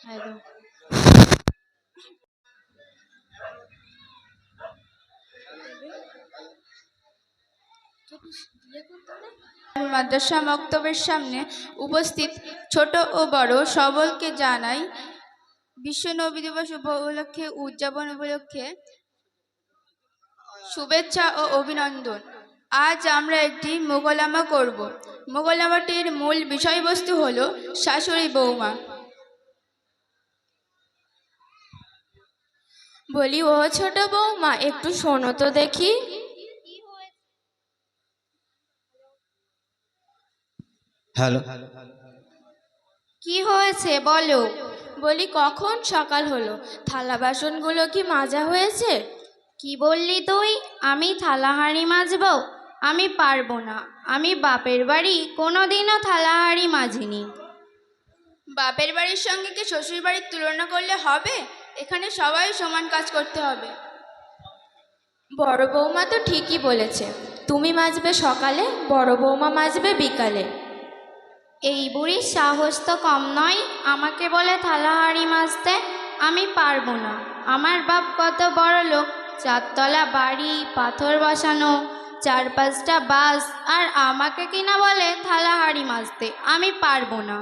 একদম। মাদ্রাসা মক্তবের সামনে উপস্থিত ছোট ও বড় সকলকে জানাই বিশ্ব নবী দিবস উপলক্ষে উদযাপন উপলক্ষে শুভেচ্ছা ও অভিনন্দন। আজ আমরা একটি মোকালামা করব। মোকালামাটির মূল বিষয়বস্তু হলো শাশুড়ি বৌমা। বলি, ও ছোট বৌমা, একটু শোনো তো দেখি। হ্যালো। কি হয়েছে বলো। বলি, কখন সকাল হলো, থালা বাসনগুলো কি মাজা হয়েছে? কি বললি তুই? আমি থালা হাঁড়ি মাজবো? আমি পারবো না। আমি বাপের বাড়ি কোনোদিনও থালা হাঁড়ি মাজিনি। বাপের বাড়ির সঙ্গে কি শ্বশুর বাড়ির তুলনা করলে হবে? এখানে সবাই সমান কাজ করতে হবে। বড় বৌমা তো ঠিকই বলেছে, তুমি মাজবে সকালে, বড় বৌমা মাজবে বিকালে। এই বুড়ির সাহস তো কম নয়, আমাকে বলে থালা হাঁড়ি মাজতে। আমি পারবো না। আমার বাপ কত বড় লোক, 4 তলা বাড়ি, পাথর বসানো, 4-5টা বাস, আর আমাকে কিনা বলে থালা হাঁড়ি মাজতে। আমি পারবো না।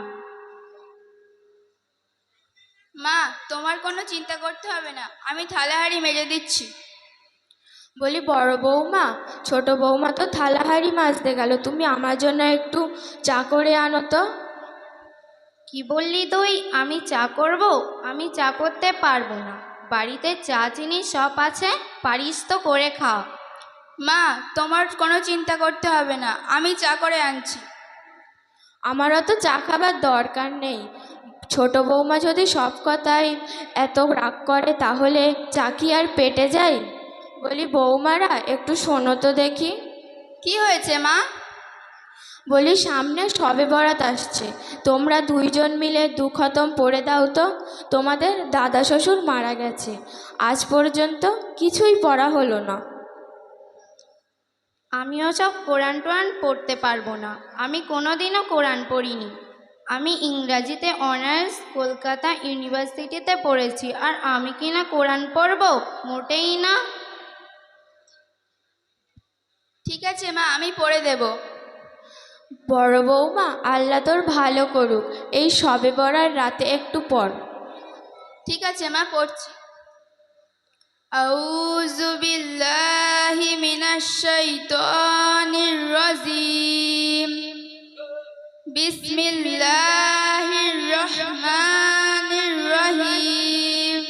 মা, তোমার কোনো চিন্তা করতে হবে না, আমি থালা হাঁড়ি মেজে দিচ্ছি। বলি, বড় বৌমা, ছোট বৌমা তো থালা হাঁড়ি মাজতে গেল, তুমি আমার জন্য একটু চা করে আনো তো। কি বললি তুই? আমি চা করব? আমি চা করতে পারবো না। বাড়িতে চা চিনি সব আছে, পারিস তো করে খাও। মা, তোমার কোনো চিন্তা করতে হবে না, আমি চা করে আনছি। আমারও তো চা খাবার দরকার নেই। ছোট বৌমা যদি সব কথায় এত রাগ করে, তাহলে চা কি আর পেটে যায়? বলি, বৌমারা, একটু শোনো তো দেখি। কি হয়েছে মা? বলি, সামনে শবে বরাত আসছে, তোমরা 2জন মিলে 2 খতম পড়ে দাও তো। তোমাদের দাদা শ্বশুর মারা গেছে, আজ পর্যন্ত কিছুই পড়া হলো না। আমিও সব কোরআন টোরান পড়তে পারবো না, আমি কোনোদিনও কোরআন পড়িনি। আমি ইংরাজিতে অনার্স কলকাতা ইউনিভার্সিটিতে পড়েছি, আর আমি কিনা কোরআন পড়বো? মোটেই না। ঠিক আছে মা, আমি পড়ে দেব। বড় বৌমা, আল্লাহ তোর ভালো করুক, এই শবে বরার রাতে একটু পড়। ঠিক আছে মা, পড়ছি। আউযু বিল্লাহি মিনাশ শাইতানির রাজিম। বিসমিল্লাহির রহমানির রহিম।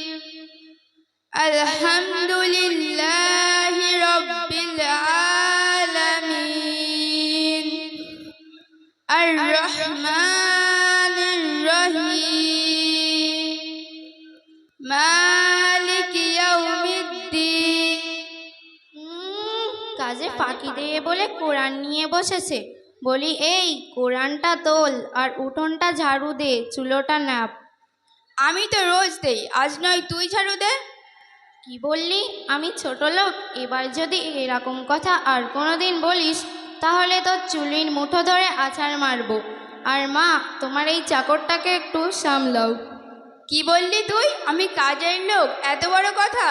আলহামদুলিল্লাহি রাব্বিল আলামিন। আর রহমানির রহিম। মালিক ইয়াউমিদ্দিন। কাজে ফাঁকি দিয়ে বলে কোরআন নিয়ে বসেছে। বলি, এই কোরআনটা তোল আর উঠোনটা ঝাড়ু দে, চুলোটা নাপ। আমি তো রোজ দেই, আজ নয় তুই ঝাড়ু দে। কি বললি? আমি ছোট লোক? এবার যদি এরকম কথা আর কোনোদিন বলিস, তাহলে তোর চুলির মুঠো ধরে আছাড় মারবো। আর মা, তোমার এই চাকরটাকে একটু সামলাও। কি বললি তুই? আমি কাজের লোক? এত বড় কথা!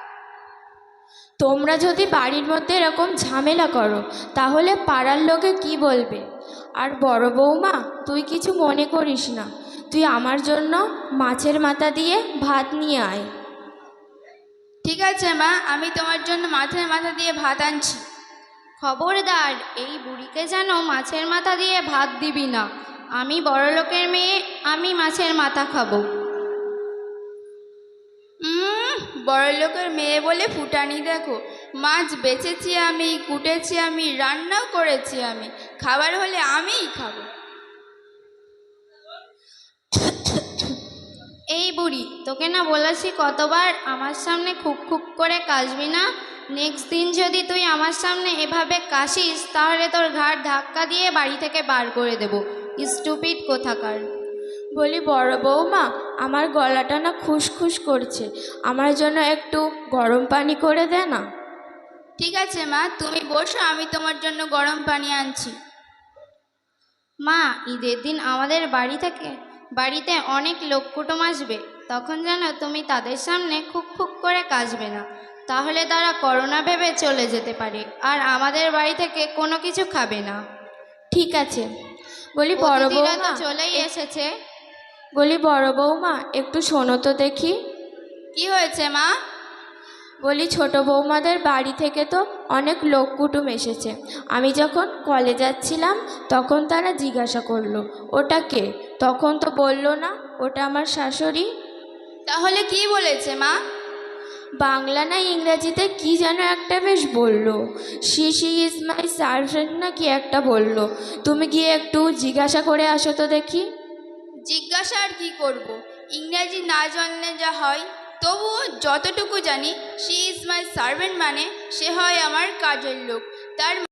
তোমরা যদি বাড়ির মধ্যে এরকম ঝামেলা করো, তাহলে পাড়ার লোকে কি বলবে? আর বড় বৌমা, তুই কিছু মনে করিস না, তুই আমার জন্য মাছের মাথা দিয়ে ভাত নিয়ে আয়। ঠিক আছে মা, আমি তোমার জন্য মাছের মাথা দিয়ে ভাত আনছি। খবরদার, এই বুড়িকে যেন মাছের মাথা দিয়ে ভাত দিবি না। আমি বড় লোকের মেয়ে, আমি মাছের মাথা খাবো। বড় লোকের মেয়ে বলে ফুটানি দেখো। মাছ বেচেছি আমি, কুটেছি আমি, রান্নাও করেছি আমি, খাবার হলে আমিই খাবো। এই বুড়ি, তোকে না বলেছি কতবার, আমার সামনে খুব খুব করে কাশবি না। নেক্সট দিন যদি তুই আমার সামনে এভাবে কাশিস, তাহলে তোর ঘাড় ধাক্কা দিয়ে বাড়ি থেকে বার করে দেব। স্টুপিড কোথাকার। বলি, বড় বৌমা, আমার গলাটা না খুসখুস করছে, আমার জন্য একটু গরম পানি করে দে না। ঠিক আছে মা, তুমি বসো, আমি তোমার জন্য গরম পানি আনছি। মা, ঈদের দিন আমাদের বাড়ি থেকে বাড়িতে অনেক লোক কুটুম আসবে, তখন যেন তুমি তাদের সামনে খুক খুক করে কাশবে না, তাহলে তারা করোনা ভেবে চলে যেতে পারে আর আমাদের বাড়ি থেকে কোনো কিছু খাবে না। ঠিক আছে। বলি বড় অতিথিরা তো বৌমা চলেই এসেছে। বলি বড় বৌমা একটু শোনো তো দেখি। কি হয়েছে মা? বলি ছোট বৌমাদের বাড়ি থেকে তো অনেক লোক কুটুম এসেছে। আমি যখন কলে যাচ্ছিলাম তখন তারা জিজ্ঞাসা করলো ওটা কে, তখন তো বললো না ওটা আমার শাশুড়ি। তাহলে কি বলেছে মা? বাংলা না ইংরাজিতে কি যেন একটা বেশ বললো, শি ইজ মাই সার্ভেন্ট না কি একটা বললো। তুমি গিয়ে একটু জিজ্ঞাসা করে আসো তো দেখি। জিজ্ঞাসা আর কি করব, ইংরাজি না জানলে যা হয়। তবুও যতটুকু জানি, শি ইজ মাই সার্ভেন্ট মানে সে হয় আমার কাজের লোক। তার